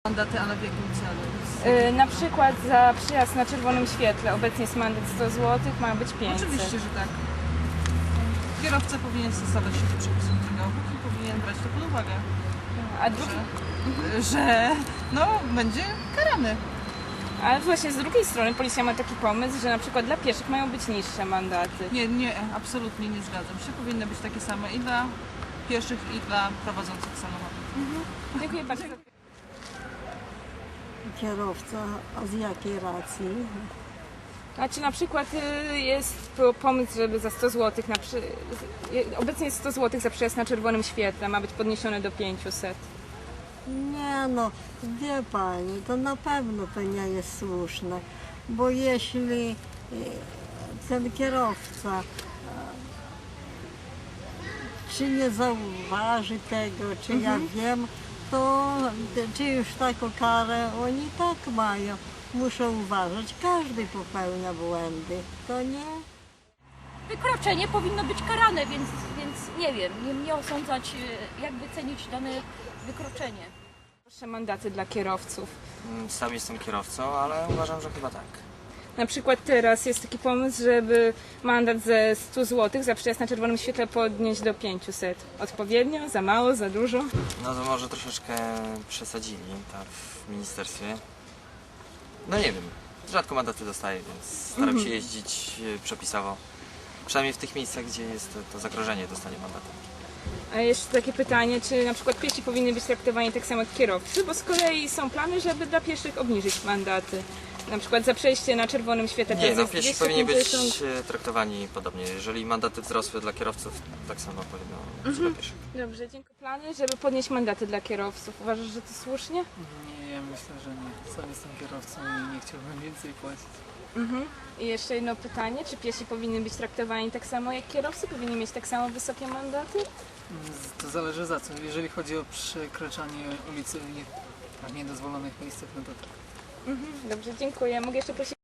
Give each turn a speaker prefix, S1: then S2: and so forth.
S1: Mandaty, ale w jakim celu?
S2: Na przykład za przyjazd na czerwonym świetle. Obecnie jest mandat 100 zł, ma być 500.
S1: Oczywiście, że tak. Kierowca powinien stosować się do przepisów drogowych i powinien brać to pod uwagę,
S2: A drugi,
S1: że no, będzie karany.
S2: ale właśnie z drugiej strony policja ma taki pomysł, że na przykład dla pieszych mają być niższe mandaty.
S1: Nie, absolutnie nie zgadzam się. Powinny być takie same i dla pieszych, i dla prowadzących samochody.
S2: Dziękuję bardzo.
S3: Kierowca, a z jakiej racji?
S2: A czy na przykład jest pomysł, żeby za 100 zł, obecnie jest 100 zł za przyjazd na czerwonym świetle, ma być podniesione do 500.
S3: Nie no, wie pani, to na pewno to nie jest słuszne, bo jeśli ten kierowca czy nie zauważy tego, czy ja wiem, to czy już taką karę oni tak mają. Muszą uważać, każdy popełnia błędy, to nie?
S4: Wykroczenie powinno być karane, więc nie wiem, nie osądzać, jak wycenić dane wykroczenie.
S2: Proszę mandaty dla kierowców.
S5: Sam jestem kierowcą, ale uważam, że chyba tak.
S2: Na przykład teraz jest taki pomysł, żeby mandat ze 100 zł za przyjazd na czerwonym świetle podnieść do 500. Odpowiednio? Za mało? Za dużo?
S5: No to może troszeczkę przesadzili tam w ministerstwie. No nie wiem, rzadko mandaty dostaję, więc staram się jeździć przepisowo. Przynajmniej w tych miejscach, gdzie jest to zagrożenie dostania mandatu.
S2: A jeszcze takie pytanie, czy na przykład piesi powinny być traktowani tak samo jak kierowcy, bo z kolei są plany, żeby dla pieszych obniżyć mandaty. Na przykład za przejście na czerwonym świetle.
S5: Nie,
S2: teraz
S5: no
S2: jest
S5: piesi powinni być
S2: 250.
S5: traktowani podobnie. Jeżeli mandaty wzrosły dla kierowców, tak samo powinno być dla pieszych.
S2: Dobrze, dziękuję. Plany, żeby podnieść mandaty dla kierowców. Uważasz, że to słusznie?
S6: Nie, ja myślę, że nie. Sam jestem kierowcą i nie chciałbym więcej płacić.
S2: I jeszcze jedno pytanie, czy piesi powinny być traktowani tak samo jak kierowcy? Powinni mieć tak samo wysokie mandaty?
S6: To zależy za co. Jeżeli chodzi o przekraczanie ulicy w niedozwolonych miejscach, no to tak.
S2: Dobrze, dziękuję. Mogę jeszcze prosić